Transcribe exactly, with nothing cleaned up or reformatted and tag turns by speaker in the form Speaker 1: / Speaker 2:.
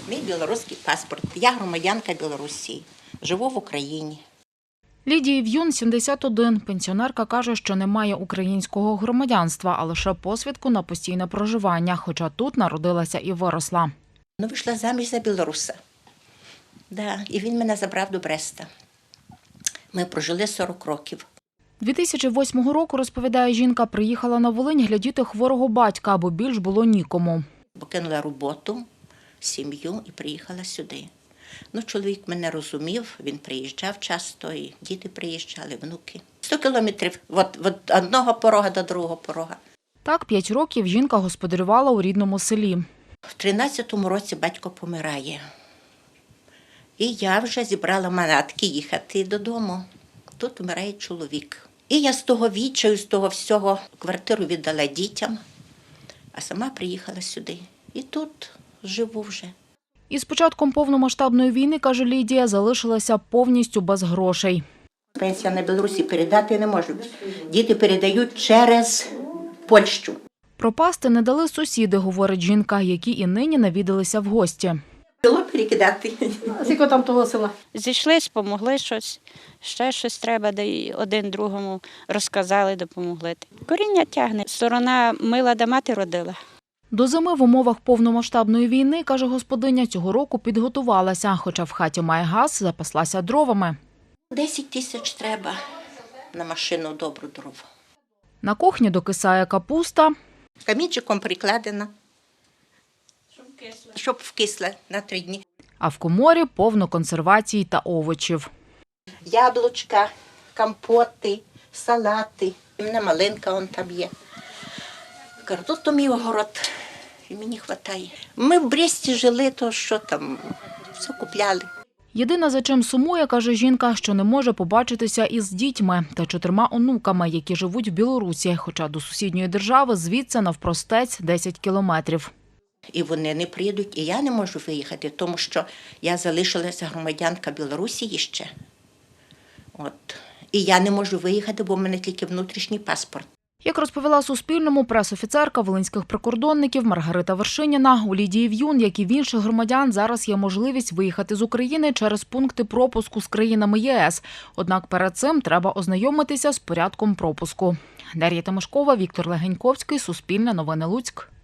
Speaker 1: Мій білоруський паспорт. Я громадянка Білорусі. Живу в Україні.
Speaker 2: Лідії В'юн сімдесят один. Пенсіонерка каже, що не має українського громадянства, а лише посвідку на постійне проживання, хоча тут народилася і виросла.
Speaker 1: Ну, вийшла заміж за білоруса. Да, і він мене забрав до Бреста. Ми прожили сорок років.
Speaker 2: дві тисячі восьмого року, розповідає жінка, приїхала на Волинь глядіти хворого батька, бо більш було нікому.
Speaker 1: Покинула роботу, сім'ю і приїхала сюди. Ну, чоловік мене розумів, він приїжджав часто, і діти приїжджали, внуки. Сто кілометрів від, від одного порога до другого порога.
Speaker 2: Так, п'ять років жінка господарювала у рідному селі.
Speaker 1: В тринадцятому році батько помирає. І я вже зібрала манатки їхати додому. Тут вмирає чоловік. І я з того відчаю, з того всього квартиру віддала дітям, а сама приїхала сюди. І тут живу вже.
Speaker 2: Із початком повномасштабної війни, каже Лідія, залишилася повністю без грошей.
Speaker 1: Пенсія на Білорусі передати не можу. Діти передають через Польщу.
Speaker 2: Пропасти не дали сусіди, говорить жінка, які і нині навідалися в гості.
Speaker 1: Село перекидати.
Speaker 3: А скільки там того села?
Speaker 4: Зійшлись, помогли щось, ще щось треба, де й один другому розказали, допомогли. Коріння тягне. Сторона мила, де мати родила.
Speaker 2: До зими в умовах повномасштабної війни, каже господиня, цього року підготувалася, хоча в хаті має газ, запаслася дровами.
Speaker 1: Десять тисяч треба на машину добру дров.
Speaker 2: На кухні докисає капуста.
Speaker 1: Камінчиком прикладена, щоб вкисла на три дні.
Speaker 2: А в коморі повно консервацій та овочів.
Speaker 1: Яблучка, компоти, салати. У мене малинка он там є. Кажу, тут то мій огород, і мені вистачає. Ми в Бресті жили, то що там, все купляли.
Speaker 2: Єдине, за чим сумує, каже жінка, що не може побачитися із дітьми та чотирма онуками, які живуть в Білорусі, хоча до сусідньої держави звідси навпростець десять кілометрів.
Speaker 1: І вони не приїдуть, і я не можу виїхати, тому що я залишилася громадянка Білорусі ще. От. І я не можу виїхати, бо в мене тільки внутрішній паспорт.
Speaker 2: Як розповіла Суспільному прес-офіцерка волинських прикордонників Маргарита Вершиніна, у Лідії В'юн, як і в інших громадян, зараз є можливість виїхати з України через пункти пропуску з країнами ЄС. Однак перед цим треба ознайомитися з порядком пропуску. Дар'я Тимошкова, Віктор Легеньковський, Суспільне новини Луцьк.